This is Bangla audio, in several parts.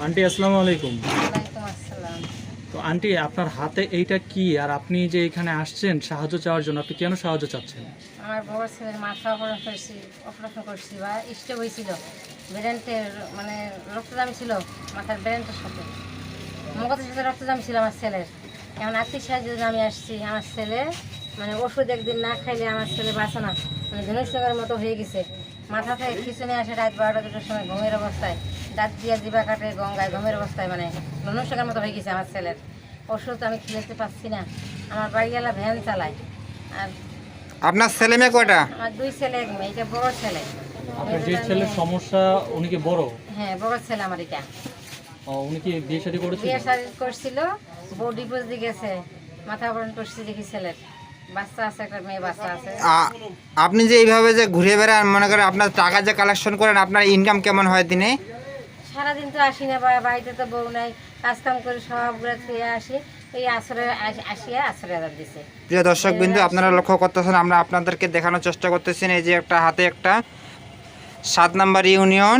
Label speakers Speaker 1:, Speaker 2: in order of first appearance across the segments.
Speaker 1: আন্টি আসসালামু আলাইকুম।
Speaker 2: ওয়ালাইকুম আসসালাম।
Speaker 1: তো আন্টি আপনার হাতে এইটা কি, আর আপনি যে এখানে আসছেন সাহায্য চাওয়ার জন্য, আপনি কেন সাহায্য চাচ্ছেন?
Speaker 2: আমার বড় ছেলের মাথা অপারেশন করছি বা স্ট্রোক হয়েছিল, ব্রেনের মানে রক্তজামি ছিল মাথার ব্রেনটার সাথে, মগজের সাথে রক্তজামি ছিল আমার ছেলের। এমন আর্থিক সাহায্যের জন্য আমি আসছি। আমার ছেলে মানে ওষুধ একদিন না খাইলে আমার ছেলে বাঁচে না, মানে ধনুষ্যকের মতো হয়ে গেছে। মাথা থেকে খিচুনি আসে রাত 12টা-2টার সময় ঘুমের অবস্থায়, দাঁত দিয়া জিবা কাটে গঙ্গায় ঘুমের অবস্থায়, মানে ধনুষ্যকের মতো হয়ে গেছে আমার ছেলের। ওষুধ আমি খেতে পারছি না। আমার বাড়িওয়ালা ভ্যান চালায়। আর
Speaker 3: আপনার ছেলে মেয়ে কয়টা?
Speaker 2: আমার 2 ছেলে 1 মেয়ে। এটা বড় ছেলে।
Speaker 1: আপনার যে ছেলের সমস্যা উনি কি বড়?
Speaker 2: হ্যাঁ, বড় ছেলে আমার এটা।
Speaker 1: উনি কি বিয়ে শাদী করেছিল?
Speaker 2: বিয়ে শাদী করছিল, বউ ডিভোর্স দিয়ে গেছে, মাথা অপারেশন করছি দেখি ছেলের। বাচ্চা আছে, একটা মেয়ে বাচ্চা আছে।
Speaker 3: আপনি যে এইভাবে যে ঘুরে বেড়ান, মনে করেন আপনার টাকা যে কালেকশন করেন, আপনার ইনকাম কেমন হয় দিনে?
Speaker 2: সারাদিন তো আসি না, বাড়িতে তো বউ নাই, কাজকাম করে সবগুলো ছুঁয়ে আসি। এই আসরে আসিয়া 18,000 দিছে।
Speaker 3: প্রিয় দর্শক বিন্দু, আপনারা লক্ষ্য করতেছেন, আমরা আপনাদেরকে দেখানোর চেষ্টা করতেছি। এই যে একটা হাতে একটা 7 নম্বর ইউনিয়ন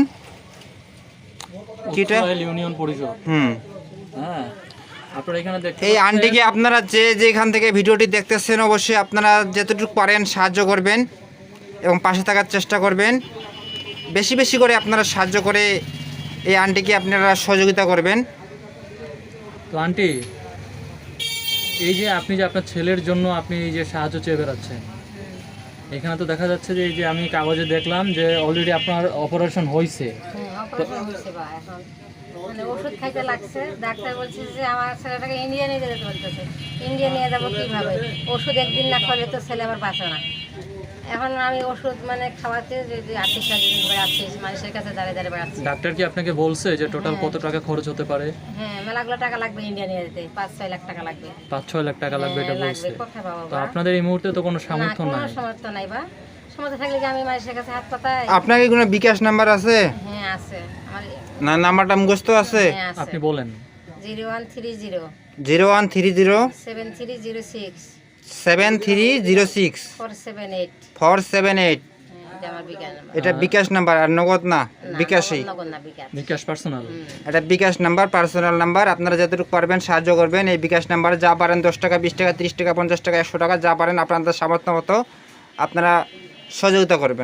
Speaker 3: কিটা
Speaker 1: ইউনিয়ন পরিষদ। হ্যাঁ, আপনারা এখানে দেখতে
Speaker 3: এই
Speaker 1: পাচ্ছেন।
Speaker 3: আন্টিকে আপনারা যে যেখান থেকে ভিডিওটি দেখতেছেন, অবশ্যই আপনারা যতটুকু পারেন সাহায্য করবেন এবং পাশে থাকার চেষ্টা করবেন। বেশি বেশি করে আপনারা সাহায্য করে এই আন্টিকে আপনারা সহযোগিতা করবেন।
Speaker 1: তো আন্টি, এই যে আপনি যে আপনার ছেলের জন্য আপনি এই যে সাহায্য চেয়ে বেড়াচ্ছেন, এখানে তো দেখা যাচ্ছে যে এই যে আমি কাগজে দেখলাম যে অলরেডি আপনার অপারেশন হয়েছে।
Speaker 2: হ্যাঁ, অপারেশন হয়েছে বা এখন মানে ওষুধ খাইতে লাগছে। ডাক্তার বলছে যে আমার ছেলেটাকে ইন্ডিয়া নিয়ে যেতে বলতেছে। ইন্ডিয়া নিয়ে যাবো কীভাবে? ওষুধ একদিন না খাওয়ালে তো ছেলে আমার বাঁচে না। এখন আমি ওষুধ মানে খাওয়াতে যে আর্থিক সাহায্য বেড়াচ্ছি, মানুষের কাছে দাঁড়িয়ে দাঁড়িয়ে বেড়াচ্ছি।
Speaker 1: ডাক্তার কি আপনাকে বলছে যে টোটাল কত টাকা খরচ হতে পারে?
Speaker 2: হ্যাঁ, মেলাগুলো টাকা লাগবে ইন্ডিয়া নিয়ে যেতে, 5-6 লাখ টাকা লাগবে।
Speaker 1: 5-6 লাখ টাকা লাগবে এটা
Speaker 2: হ্যাঁ,
Speaker 1: বলছে।
Speaker 2: কোথায় পাবো
Speaker 1: তো
Speaker 2: বা?
Speaker 1: আপনাদের এই মুহূর্তে তো কোনো সামর্থ্য
Speaker 2: কোনো
Speaker 1: নাই।
Speaker 2: সামর্থ্য নাই বা। সামর্থ্য থাকলে কি আমি মানুষের কাছে হাত পাতাই?
Speaker 3: আপনার কি কোনো বিকাশ নাম্বার আছে?
Speaker 2: হ্যাঁ আছে আমার।
Speaker 3: না, নাম্বারটা মুখস্থ আছে?
Speaker 2: হ্যাঁ আছে।
Speaker 1: আপনি বলেন।
Speaker 2: 0130
Speaker 3: 0130
Speaker 2: 7306
Speaker 3: 7306
Speaker 2: 478।
Speaker 3: 478।
Speaker 2: এটা আমার বিকাশ নাম্বার।
Speaker 3: এটা বিকাশ নাম্বার, আর নগদ না, বিকাশই।
Speaker 2: নগদ না, বিকাশ।
Speaker 1: বিকাশ পার্সোনাল।
Speaker 3: এটা বিকাশ নাম্বার, পার্সোনাল নাম্বার। আপনারা যতটুকু পারবেন সাহায্য করবেন। এই বিকাশ নাম্বারে যা পারেন, 10 টাকা, 20 টাকা, 30 টাকা, 50 টাকা, 100 টাকা, যা পারেন আপনাদের সামর্থ্য মতো আপনারা সহযোগিতা করবেন।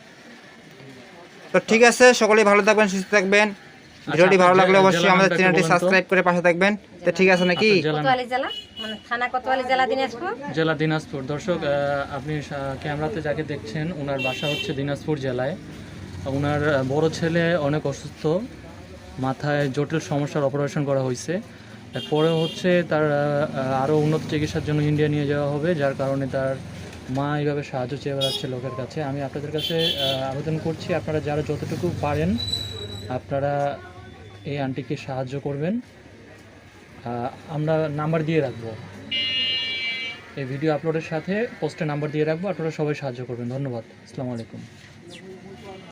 Speaker 3: তো ঠিক আছে, সকলেই ভালো থাকবেন, সুস্থ থাকবেন। ভিডিওটি ভালো লাগলে অবশ্যই আমাদের চ্যানেলটি সাবস্ক্রাইব করে পাশে থাকবেন। তো ঠিক আছে নাকি?
Speaker 2: কোতোয়ালি জেলা, মানে থানা কোতোয়ালি জেলা, দিনাজপুর।
Speaker 1: জেলা দিনাজপুর। দর্শক, আপনি ক্যামেরাতে যাকে দেখছেন ওনার বাসা হচ্ছে দিনাজপুর জেলায়। ওনার বড় ছেলে অনেক অসুস্থ, মাথায় জটিল সমস্যার অপারেশন করা হয়েছে। এরপরে হচ্ছে তার আরও উন্নত চিকিৎসার জন্য ইন্ডিয়া নিয়ে যাওয়া হবে, যার কারণে তার মা এইভাবে সাহায্য চেয়ে বেড়াচ্ছে লোকের কাছে। আমি আপনাদের কাছে আবেদন করছি, আপনারা যারা যতটুকু পারেন আপনারা এই আন্টিকে সাহায্য করবেন। আমরা নাম্বার দিয়ে রাখবো, এই ভিডিও আপলোডের সাথে পোস্টে নাম্বার দিয়ে রাখবো, আপনারা সবাই সাহায্য করবেন। ধন্যবাদ। আসসালামু আলাইকুম।